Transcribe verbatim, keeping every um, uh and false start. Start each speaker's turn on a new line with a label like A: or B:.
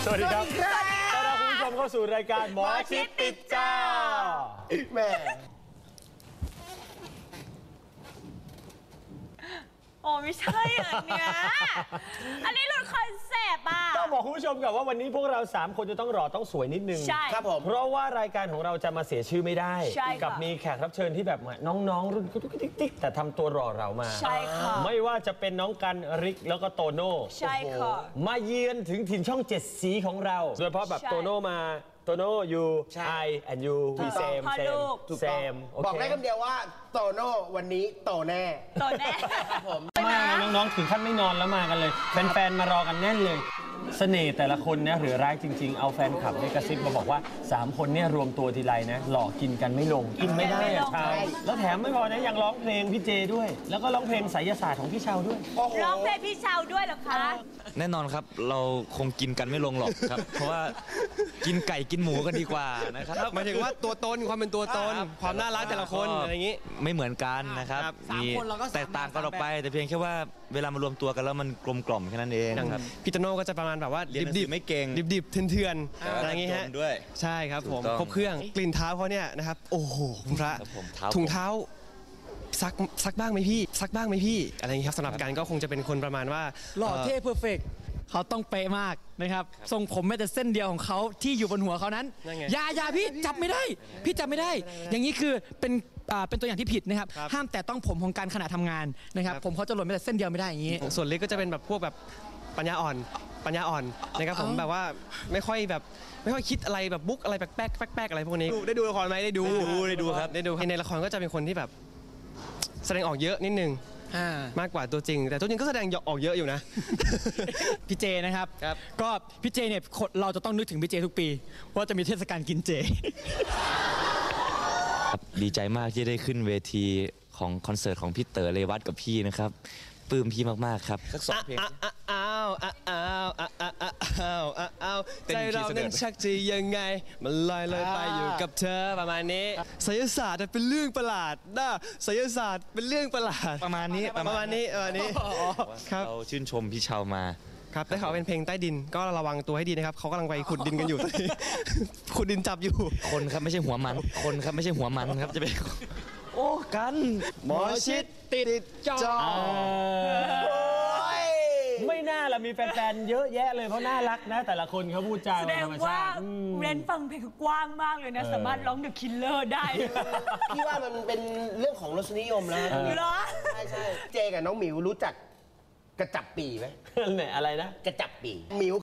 A: วัสดีครับต้อนรับคุณผู้ชมเข้าสู่รายการหมอชิดติดจอแม่
B: โอ้ไม่ใช่อันเนี้ยอันนี้หลุดคอนเซปต์อ่ะ
A: ต้องบอกคุณผู้ชมกับว่าวันนี้พวกเราสามคนจะต้องรอต้องสวยนิดนึง
B: ใช่ครับผม
A: เพราะว่ารายการของเราจะมาเสียชื่อไม่ได้ กับ
B: ค่ะ
A: มีแขกรับเชิญที่แบบน้องๆรุ่นติ๊กๆแต่ทำตัวรอเรามา
B: ใช่ค่ะ
A: ไม่ว่าจะเป็นน้องกันริกแล้วก็โตโน่
B: ใช่ค่ะ
A: มาเยือนถึงถิ่นช่องเจ็ดสีของเราโดยเฉพาะแบบ
B: ใช่
A: โตโน่มาโตโน่ยูไอ and you we
B: ถูกต้อง
A: same
B: พ่อ
A: same
B: ลูก
A: same
C: บอกได้คำเดียวว่าโตโน่วันนี้โตแน่
B: ตัวแน่
C: ครับผม
A: มากนะน้องๆถึงขั้นไม่นอนแล้วมากันเลยแฟนๆมารอกันแน่นเลยเสน่ห์แต่ละคนเนี่ยหรือร้ายจริงๆเอาแฟนคลับเนี่ยกระซิบมาบอกว่าสามคนเนี่ยรวมตัวทีไรนะหลอกกินกันไม่ลงกินไม่ได้อะชาวแล้วแถมไม่พอนะยังร้องเพลงพี่เจด้วย แล้วก็ร้องเพลงไสยศาสตร์ของพี่ชาวด้วย
B: ร้องเพลงพี่ชาวด้วยเหรอคะ
D: แน่นอนครับเราคงกินกันไม่ลงหรอกครับ เพราะว่ากินไก่กินหมูกันดีกว่านะครับ
E: หมายถึงว่าตัวตนความเป็นตัวตน ความน่ารักแต่ละคนอะไรอย่างนี้
D: ไม่เหมือนกันนะครับ
E: ครับ
D: มี
E: สามคนเราก็สาม
D: แตกต่างกันออกไป แต่เพียงแค่ว่าเวลามารวมตัวกันแล้วมันกลมกล่อมแค่นั้นเอง
E: อย่าง
D: ครับ
E: พี่โตโน่ก็จะประมาณแบบว่า
D: เรียนหนังสือไม่เก่ง
E: ดิบดิบๆเถื่อนๆอะไรอย่างงี้ฮะ
D: จนด้วย
E: ใช่ครับผม
D: ถูกต้อง
E: ครบเครื่องกลิ่นเท้าเขาเนี่ยนะครับโอ้โหคุณพระ
D: ครับผมเท้า
E: ถุงเท้าซักซักบ้างไหมพี่ซักบ้างไหมพี่อะไรอย่างนี้ครับสำหรับการก็คงจะเป็นคนประมาณว่า
F: หล่อเท่เพอร์เฟกเขาต้องเป๊ะมากนะครับทรงผมแม้แต่เส้นเดียวของเขาที่อยู่บนหัวเขานั้น
E: นั่นไง
F: อย่าอย่าพี่จับไม่ได้ พี่จับไม่ได้ อย่างนี้คือเป็นอ่าเป็นตัวอย่างที่ผิดนะครับ
E: ครับ
F: ห้ามแต่ต้องผมของการขณะทำงานนะครับ
E: ครับ
F: ผมเขาจะหล่นแม้แต่เส้นเดียวไม่ได้อย่างนี้
E: ส่วนเล็กก็จะเป็นแบบพวกแบบปัญญาอ่อนปัญญาอ่อนนะครับผมแบบว่าไม่ค่อยแบบไม่ค่อยคิดอะไรแบบบุ๊กอะไรแปลกๆแปลกๆอะไรพวกนี้ได้ดูละครไหมได้ดู
D: ได้ดูได้ดูครับ
E: ได้ดูในละครก็จะเป็นคนที่แบบแสดงออกเยอะนิดนึง
F: อ่าม
E: ากกว่าตัวจริง แต่ตัวจริงก็แสดงออกเยอะอยู่นะ
F: พี่เจนะครับ
E: ครับ
F: ก็พี่เจเนี่ยคนเราจะต้องนึกถึงพี่เจทุกปีว่าจะมีเทศกาลกินเจ
D: ครับดีใจมากที่ได้ขึ้นเวทีของคอนเสิร์ตของพี่เต๋อเรวัตกับพี่นะครับปลื้มพี่มากๆครับสักสองเพลง
E: อ้าวอ้าวอ้าวอ้าวอ้าวอ้าวอ้าวอ้าวอ้าว
D: เต้น
E: ใจ
D: อยู่ที่
E: เรา
D: เสนอ
E: นั้นชักจะยังไง มันลอยเลยไปอยู่กับเธอประมาณนี้ไสยศาสตร์เป็นเรื่องประหลาดนะไสยศาสตร์เป็นเรื่องประหลาด
D: ประมาณนี้
E: ประมาณนี้ประมาณนี้ครับ
D: เราชื่นชมพี่ชาวมา
E: ครับได้ข่าวเป็นเพลงใต้ดินก็ระวังตัวให้ดีนะครับเขากำลังไปขุดดินกันอยู่ตอนนี้ ขุดดินจับอยู่
D: คนครับไม่ใช่หัวมัน คนครับไม่ใช่หัวมันครับจะเป็นโอ้กัน
E: หมอชิดติดจอ
A: ไม่น่าละมีแฟนๆเยอะแยะเลยเพราะน่ารักนะ แต่ละคนเขาพูดจา
B: แสด
A: ธรง รม
B: ว่า
A: ชาติอืม
B: เรนฟังเพลงเขากว้างมากเลยนะ สามารถร้องเดอะคิลเลอร์ได้เลย
C: พี่ว่ามันเป็นเรื่องของรสนิยมแล้ว
B: เหรอ
C: ใช่ใช่เจกับน้องหมิวรู้จักกระจับปีไหม
A: เนี่ยอะไรนะ
C: กระจับปีหมิว